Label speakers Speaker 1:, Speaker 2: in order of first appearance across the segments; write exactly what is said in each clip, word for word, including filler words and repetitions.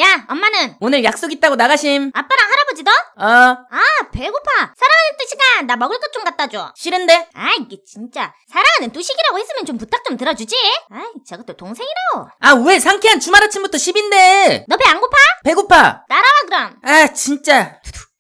Speaker 1: 야, 엄마는?
Speaker 2: 오늘 약속 있다고 나가심.
Speaker 1: 아빠랑 할아버지도?
Speaker 2: 어.
Speaker 1: 아, 배고파. 사랑하는 뚜식아, 나 먹을 것 좀 갖다 줘.
Speaker 2: 싫은데?
Speaker 1: 아, 이게 진짜. 사랑하는 뚜식이라고 했으면 좀 부탁 좀 들어주지. 아이, 저것도 동생이라고.
Speaker 2: 아, 왜 상쾌한 주말 아침부터 십인데?
Speaker 1: 너 배 안 고파?
Speaker 2: 배고파.
Speaker 1: 따라와 그럼.
Speaker 2: 아, 진짜.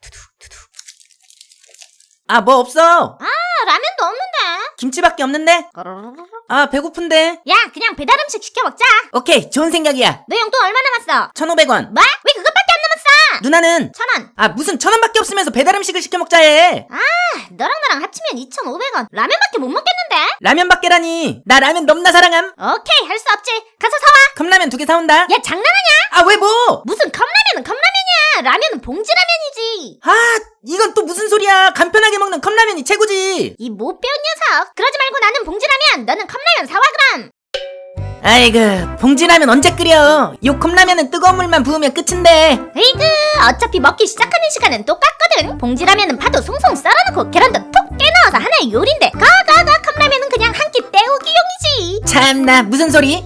Speaker 2: 아, 뭐 없어.
Speaker 1: 아, 라면도 없는데.
Speaker 2: 김치밖에 없는데? 아, 배고픈데.
Speaker 1: 야, 그냥 배달 음식 시켜 먹자.
Speaker 2: 오케이, 좋은 생각이야.
Speaker 1: 너 용돈 얼마 남았어?
Speaker 2: 천오백 원.
Speaker 1: 뭐? 왜 그것밖에 안 남았어?
Speaker 2: 누나는?
Speaker 1: 천 원.
Speaker 2: 아, 무슨 천 원밖에 없으면서 배달 음식을 시켜 먹자 해.
Speaker 1: 아, 너랑 나랑 합치면 이천오백 원. 라면밖에 못 먹겠는데?
Speaker 2: 라면밖에라니. 나 라면 넘나 사랑함.
Speaker 1: 오케이, 할 수 없지. 가서 사와.
Speaker 2: 컵라면 두 개 사온다.
Speaker 1: 야, 장난하냐?
Speaker 2: 아, 왜 뭐?
Speaker 1: 무슨 컵라면은 컵라면이야. 라면은 봉지라면이지.
Speaker 2: 아, 이건 또 무슨 소리야. 간편하게 먹는 컵라면이 최고지.
Speaker 1: 이 못 배운 녀석. 그러지 말고 나는 봉지라면, 너는 컵라면 사와 그럼.
Speaker 2: 아이고, 봉지라면 언제 끓여. 요 컵라면은 뜨거운 물만 부으면 끝인데.
Speaker 1: 에이그, 어차피 먹기 시작하는 시간은 똑같거든. 봉지라면은 파도 송송 썰어놓고 계란도 톡 깨넣어서 하나의 요리인데, 가가가 컵라면은 그냥 한 끼 때우기용이지.
Speaker 2: 참나, 무슨 소리?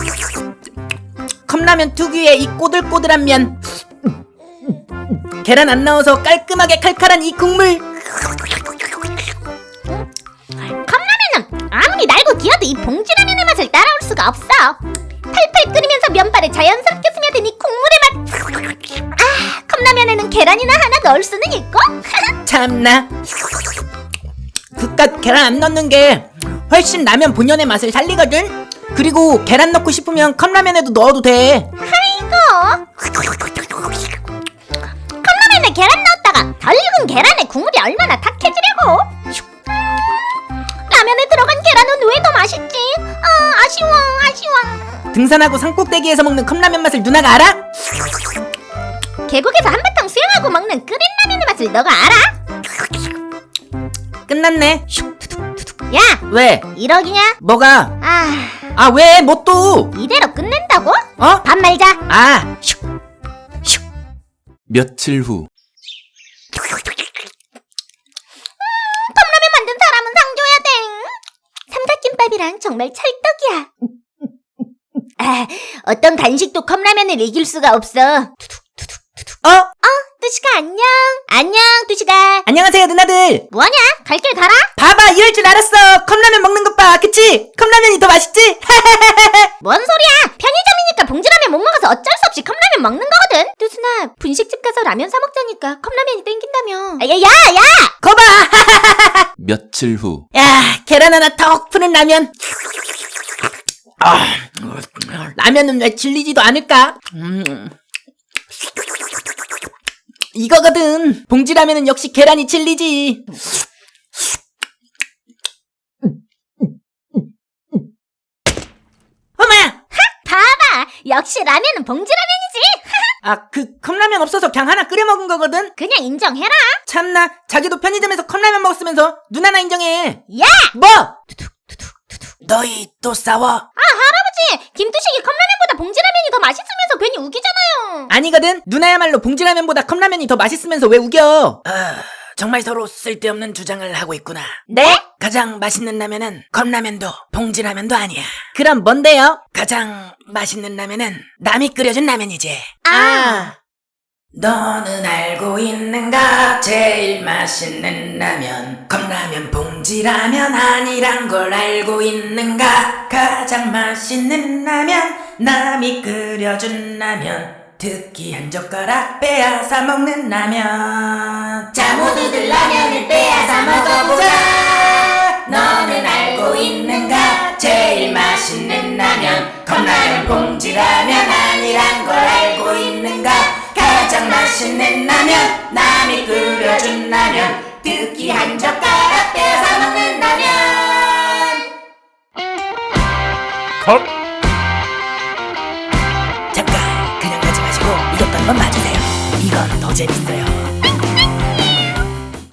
Speaker 2: 컵라면 특유의 이 꼬들꼬들한 면, 계란 안 넣어서 깔끔하게 칼칼한 이 국물.
Speaker 1: 컵라면은 아무리 날고 기어도 이 봉지라면의 맛을 따라올 수가 없어. 팔팔 끓이면서 면발에 자연스럽게 스며든 이 국물의 맛. 아, 컵라면에는 계란이나 하나 넣을 수는 있고.
Speaker 2: 참나, 그깟 계란 안 넣는 게 훨씬 라면 본연의 맛을 살리거든. 그리고 계란 넣고 싶으면 컵라면에도 넣어도 돼.
Speaker 1: 아이고, 컵라면에 계란 넣었다가 덜 익은 계란에 국물이 얼마나 탁해지려고. 라면에 들어간 계란은 왜 더 맛있지? 아, 아쉬워 아쉬워.
Speaker 2: 등산하고 산꼭대기에서 먹는 컵라면 맛을 누나가 알아?
Speaker 1: 계곡에서 한바탕 수영하고 먹는 끓인 라면의 맛을 너가 알아?
Speaker 2: 끝났네.
Speaker 1: 야,
Speaker 2: 왜?
Speaker 1: 이러기냐?
Speaker 2: 뭐가?
Speaker 1: 아,
Speaker 2: 아, 왜? 뭐 또?
Speaker 1: 이대로 끝낸다고?
Speaker 2: 어?
Speaker 1: 밥 말자.
Speaker 2: 아,
Speaker 3: 며칠 후.
Speaker 1: 컵라면 만든 사람은 상 줘야 돼. 삼각김밥이랑 정말 찰떡이야. 아, 어떤 간식도 컵라면을 이길 수가 없어.
Speaker 2: 어?
Speaker 1: 뚜식아 안녕. 안녕 뚜식아.
Speaker 2: 안녕하세요, 누나들.
Speaker 1: 뭐하냐? 갈 길 가라.
Speaker 2: 봐봐, 이럴 줄 알았어. 컵라면 먹는 것 봐, 그치? 컵라면이 더 맛있지?
Speaker 1: 뭔 소리야? 편의점이니까 봉지라면 못 먹어서 어쩔 수 없이 컵라면 먹는 거거든. 뚜순아, 분식집 가서 라면 사 먹자니까 컵라면이 땡긴다며. 아, 야, 야, 야!
Speaker 2: 거봐.
Speaker 3: 며칠 후.
Speaker 2: 야, 계란 하나 턱 푸는 라면. 아, 라면은 왜 질리지도 않을까? 음. 이거거든. 봉지라면은 역시 계란이 질리지. 어머야!
Speaker 1: 봐봐. 역시 라면은 봉지라면이지.
Speaker 2: 아, 그 컵라면 없어서 그냥 하나 끓여 먹은 거거든?
Speaker 1: 그냥 인정해라.
Speaker 2: 참나, 자기도 편의점에서 컵라면 먹었으면서 누나나 인정해.
Speaker 1: 야!
Speaker 2: 뭐? 너희 또 싸워?
Speaker 1: 할아버지, 김뚜식이 컵라면보다 봉지라면이 더 맛있으면서 괜히 우기잖아요.
Speaker 2: 아니거든. 누나야말로 봉지라면보다 컵라면이 더 맛있으면서 왜 우겨? 아, 정말 서로 쓸데없는 주장을 하고 있구나.
Speaker 1: 네?
Speaker 2: 가장 맛있는 라면은 컵라면도 봉지라면도 아니야. 그럼 뭔데요? 가장 맛있는 라면은 남이 끓여준 라면이지.
Speaker 1: 아.
Speaker 2: 너는 알고 있는가? 제일 맛있는 라면 컵라면 봉지라면 아니란 걸 알고 있는가? 가장 맛있는 라면 남이 끓여준 라면 특히 한 젓가락 빼앗아 먹는 라면. 자, 모두들 라면을 빼앗아 먹어보자. 너는 알고 있는가? 제일 맛있는 라면 컵라면 봉지라면 아니란 걸 알고 있는가? 가장 맛있는 라면 남이 끓여준 라면 특히 한 젓가락 빼앗아 먹는 라면.
Speaker 3: 컷!
Speaker 2: 잠깐, 그냥 가지 마시고 이것도 한번 봐주세요. 이건 더 재밌어요.